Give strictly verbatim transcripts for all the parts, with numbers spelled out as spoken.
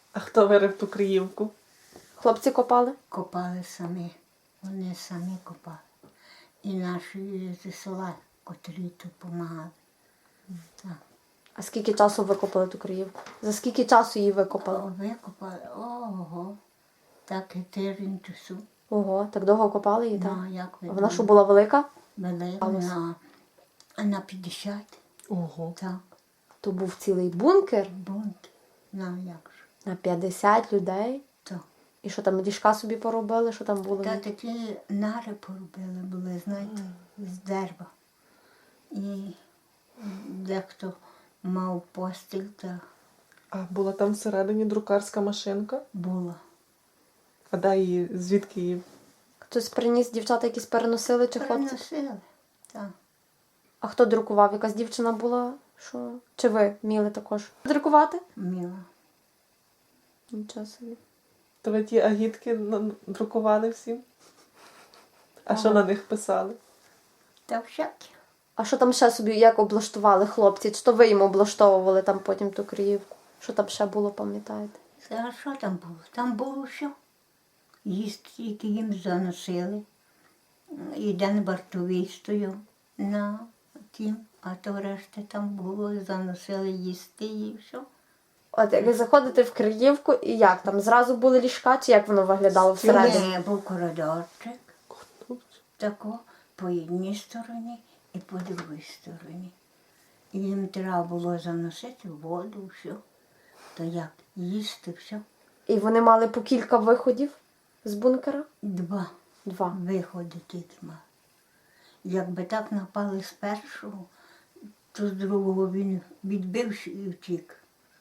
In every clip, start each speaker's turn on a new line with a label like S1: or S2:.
S1: А хто вирив ту Криївку?
S2: Хлопці копали?
S3: Копали самі. Вони самі копали. І наші зі села, котрі тут допомагали. Так.
S2: А скільки часу викопали ту Криївку? За скільки часу її викопали?
S3: О, викопали. Ого. Так і тиждень часу.
S2: Ого, так довго копали її, так?
S3: Ну, як ви
S2: Вона що
S3: думаєте?
S2: була велика?
S3: Велика на, на п'ятдесят.
S1: Ого.
S3: Так.
S2: То був цілий бункер
S3: Бунт. На як ж.
S2: на п'ятдесят людей.
S3: Так.
S2: І що там, ліжка собі поробили, що там було?
S3: Та такі нари поробили були, знаєте, з дерева. І дехто мав постіль, та
S1: А була там всередині друкарська машинка?
S3: була.
S1: А де її, звідки її?
S2: Хтось приніс, дівчата якісь переносили чи хлопці?
S3: Переносили. Так.
S2: А хто друкував? Якась дівчина була? Що? Чи ви вміли також друкувати?
S3: Міла.
S2: Нічого собі.
S1: То ви ті агітки на- друкували всім? А що на них писали?
S3: Та всякі.
S2: А що там ще собі, як облаштували хлопці? Чи то ви їм облаштовували там потім ту Криївку? Що там ще було, пам'ятаєте?
S3: А що там було? Там було все. Їсти, які їм заносили. І день вартовий стояв на тім, а то решта там було, заносили їсти і все.
S2: От як ви заходите в Криївку, і як там? Зразу були ліжка, чи як воно виглядало всередині?
S3: Не, був коридорчик, тако, по одній стороні і по другій стороні. І їм треба було заносити воду, все. То як, їсти, все.
S2: І вони мали по кілька виходів з бункера?
S3: Два
S2: Два.
S3: виходи тільки мали. Якби так напали з першого, то з другого він відбився і втік.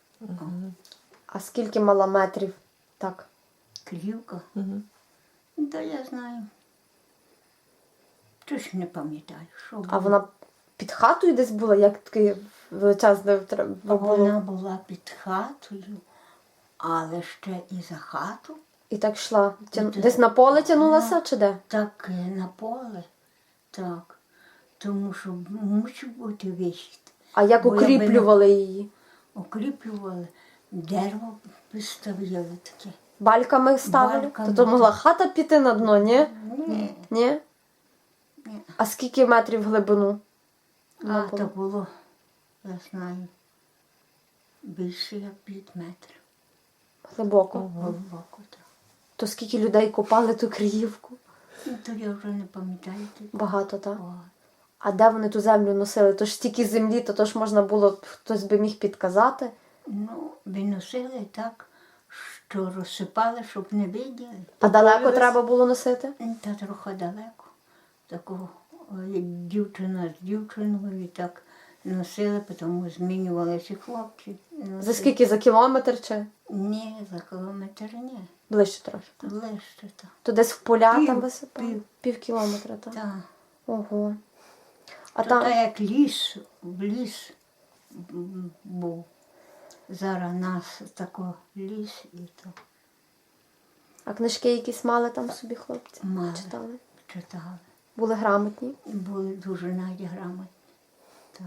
S2: А скільки мала метрів? Так.
S3: Крівка.
S1: Угу.
S3: Та я знаю. Точно не пам'ятаю, що було.
S2: А вона під хатою десь була, як такий величезний треба було?
S3: Вона була під хатою, але ще і за хату.
S2: І так йшла. Тяну-
S3: І
S2: Десь
S3: так.
S2: на поле тянулася,
S3: Ну.
S2: чи де?
S3: Так е, на поле, так. Тому що мусив бути вихід.
S2: А як
S3: Бо якби не
S2: укріплювали її?
S3: Укріплювали, дерево виставляли таке.
S2: Бальками ставили?
S3: Бальками.
S2: То, то могла хата піти на дно, ні?
S3: Ні.
S2: Ні?
S3: Ні.
S2: А скільки метрів в глибину?
S3: А
S2: було.
S3: то було, я знаю, більше як п'ять метрів.
S2: Глибоко.
S3: Глибоко, так.
S2: То скільки людей копали ту Криївку?
S3: Ну, то я вже не пам'ятаю. тільки.
S2: Багато, так?
S3: О,
S2: А де вони ту землю носили? То ж стільки землі, то, то ж можна було, хтось би міг підказати.
S3: Ну, виносили так, що розсипали, щоб не виділи.
S2: А далеко треба було носити?
S3: Та трохи далеко. Такого, як дівчина з дівчиною, і так носили, тому змінювалися хлопці. Носили.
S2: За скільки? За кілометр чи?
S3: Ні, за кілометр ні.
S2: Ближче трохи.
S3: Ближче так.
S2: То десь в поля
S3: Пів-
S2: там висипали?
S3: пів.
S2: Пів кілометра, так?
S3: Так.
S2: Ого. А
S3: То
S2: там...
S3: так як ліс, в ліс м, був. Зараз нас тако ліс і то
S2: А книжки якісь мали там собі хлопці?
S3: Мали.
S2: Читали?
S3: читали.
S2: Були грамотні?
S3: І були дуже навіть грамотні. Так.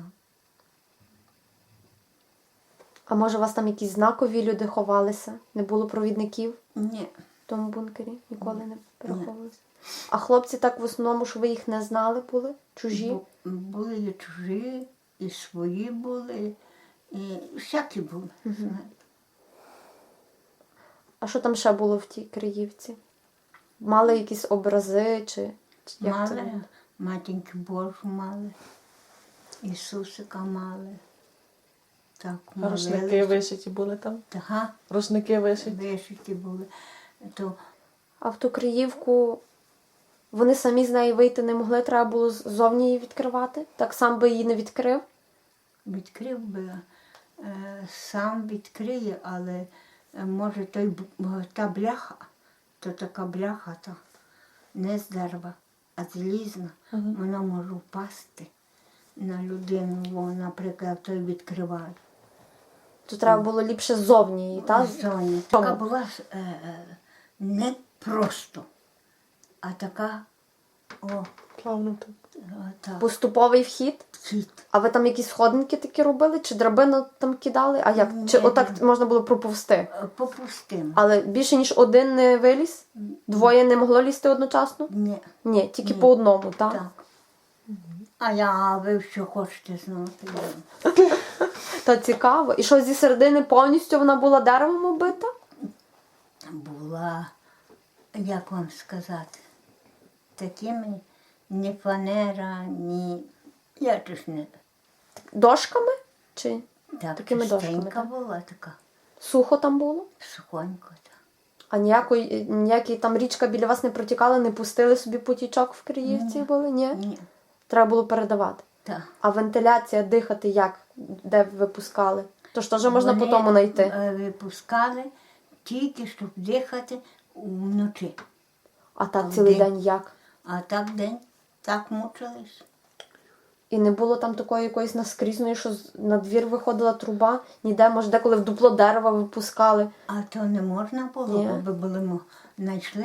S2: А може у вас там якісь знакові люди ховалися? Не було провідників
S3: Ні,
S2: в тому бункері? Ніколи не переховувалися? А хлопці так в основному, що ви їх не знали були? Чужі?
S3: бу- були і чужі, і свої були, і всякі були. знаєте.
S2: А що там ще було в тій Криївці? Мали якісь образи чи, чи як це
S3: Мали,
S2: було?
S3: матінки Божу мали, Ісусика мали. Так,
S1: Рушники
S3: молилися.
S1: вишиті були там?
S3: Ага,
S1: Рушники вишиті.
S3: вишиті були. То
S2: А в ту Криївку вони самі з неї вийти не могли, треба було ззовні її відкривати? Так сам би її не відкрив?
S3: відкрив би, е, сам відкриє, але е, може той, б- та бляха, то така бляха, то не з дерева, а залізна, вона може впасти на людину, бо, наприклад, той відкриває.
S2: То треба було ліпше ззовні її, так?
S3: Зоні. Така була е, е, не просто, а така, о,
S1: Плавно так.
S3: е, так,
S2: Поступовий вхід?
S3: вхід.
S2: А ви там якісь сходинки такі робили? Чи драбину там кидали? А як?
S3: Ні,
S2: Чи отак
S3: ні.
S2: можна було проповзти?
S3: Е, Попустимо.
S2: Але більше, ніж один не виліз? Двоє не могло лізти одночасно?
S3: Ні,
S2: Ні, тільки
S3: Ні.
S2: по одному, так?
S3: так. А я, а ви що хочете знати?
S2: Та цікаво. І що зі середини повністю вона була деревом оббита?
S3: Була, як вам сказати, такими ні фанера, ні. Я ж не
S2: Дошками? Чи
S3: так
S2: Такими дошками,
S3: чистенька
S2: так?
S3: була така,
S2: сухо там було?
S3: сухонько. Так.
S2: А ніякої, ніякий там річка біля вас не протікала, не пустили собі потічок в Криївці
S3: Ні.
S2: були? Ні?
S3: Ні,
S2: Треба було передавати.
S3: так.
S2: А вентиляція, дихати як? Де випускали? Тож теж можна
S3: Вони,
S2: по тому знайти.
S3: е, Випускали тільки, щоб дихати вночі.
S2: А так
S3: а
S2: цілий
S3: вдень?
S2: день як?
S3: А так день, так мучились.
S2: І не було там такої якоїсь наскрізної, що з- на двір виходила труба, ніде, може, деколи в дупло дерева випускали.
S3: А то не можна було,
S2: Ні.
S3: бо би були мо- знайшли.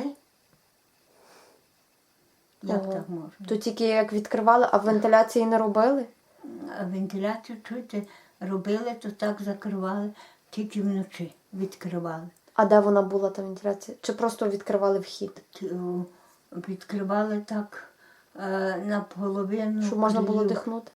S3: Як
S2: Ого.
S3: так можна?
S2: То тільки як відкривали, а вентиляції не робили?
S3: А вентиляцію чуєте, робили, то так закривали, тільки вночі відкривали.
S2: А де вона була, та вентиляція? Чи просто відкривали вхід?
S3: Т- о, Відкривали так е, наполовину.
S2: Щоб можна було
S3: крилів.
S2: дихнути?